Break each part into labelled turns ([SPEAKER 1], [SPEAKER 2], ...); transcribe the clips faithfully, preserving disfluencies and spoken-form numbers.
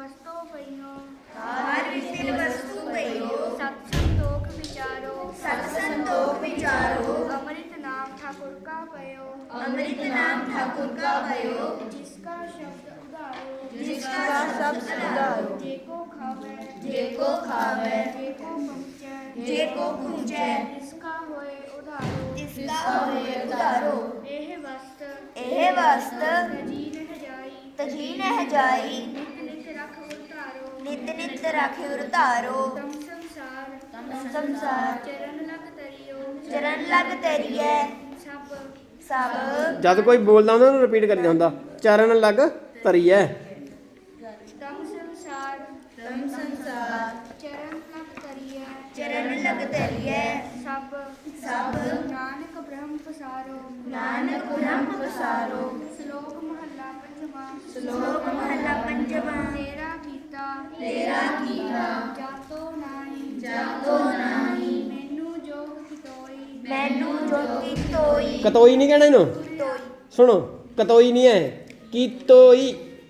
[SPEAKER 1] वस्तु पइयो
[SPEAKER 2] हर विषय वस्तु पइयो
[SPEAKER 1] सत संतोख विचारो
[SPEAKER 2] सत संतोख विचारो
[SPEAKER 1] अमृत नाम ठाकुर का पयो
[SPEAKER 2] अमृत नाम ठाकुर का भयो
[SPEAKER 1] जिसका शब्द उदारो
[SPEAKER 2] जिसका शब्द उदारो
[SPEAKER 1] जेको खावे
[SPEAKER 2] जेको खावे
[SPEAKER 1] जेको पहुँचे
[SPEAKER 2] जेको पूजै
[SPEAKER 1] जिसका होए उधारो
[SPEAKER 2] जिसका होए उधारो
[SPEAKER 1] एह वस्त
[SPEAKER 2] एह वस्त
[SPEAKER 1] तजी नह जाई
[SPEAKER 2] तजी नह जाई
[SPEAKER 1] नित नित रख उतारो
[SPEAKER 2] नित नित राखे उतारो
[SPEAKER 1] तम संसार
[SPEAKER 2] तम संसार
[SPEAKER 1] चरण लग तरियो
[SPEAKER 2] चरण लग तरिए
[SPEAKER 1] सब
[SPEAKER 2] सब
[SPEAKER 3] ਜਦ ਕੋਈ ਬੋਲਦਾ ਉਹਨਾਂ ਨੂੰ ਰਿਪੀਟ ਕਰੀਦਾ ਹੁੰਦਾ ਚਰਨ ਲੱਗ ਤਰੀਐ
[SPEAKER 1] तम संसार
[SPEAKER 2] तम संसार
[SPEAKER 1] चरण लग तरिए
[SPEAKER 2] चरण लग तरिए
[SPEAKER 1] सब
[SPEAKER 2] सब
[SPEAKER 1] नानक ब्रह्म पसारो
[SPEAKER 2] नानक ब्रह्म पसारो
[SPEAKER 1] श्लोक महला पंचवा
[SPEAKER 2] श्लोक महला पंचवा
[SPEAKER 1] तेरा कीता
[SPEAKER 2] तेरा कीता
[SPEAKER 1] जातो नाही
[SPEAKER 2] जातो नाही
[SPEAKER 1] मैनू जोग कितोई
[SPEAKER 2] मैनू जोगी तोई
[SPEAKER 3] ਕਤੋਈ ਨਹੀਂ ਕਹਿਣਾ ਇਹਨੂੰ
[SPEAKER 2] तोई
[SPEAKER 3] ਸੁਣੋ ਕਤੋਈ ਨਹੀਂ ਹੈ ਕੀਤੋਈ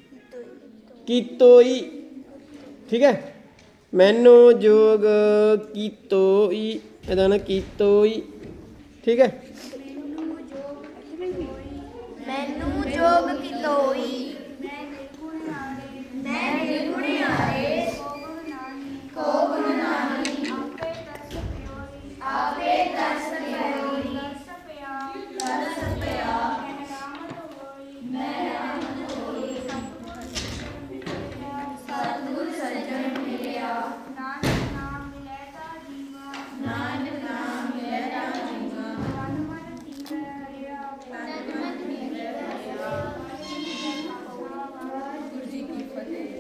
[SPEAKER 3] ਕੀਤੋਈ ਠੀਕ ਹੈ ਮੈਨੂੰ ਜੋਗ ਕੀਤੋਈ ਇਹਦਾ ਨਾ ਕੀਤੋਈ ਠੀਕ ਹੈ
[SPEAKER 1] मैनू जोग कितोई
[SPEAKER 2] मैनू जोग की तोई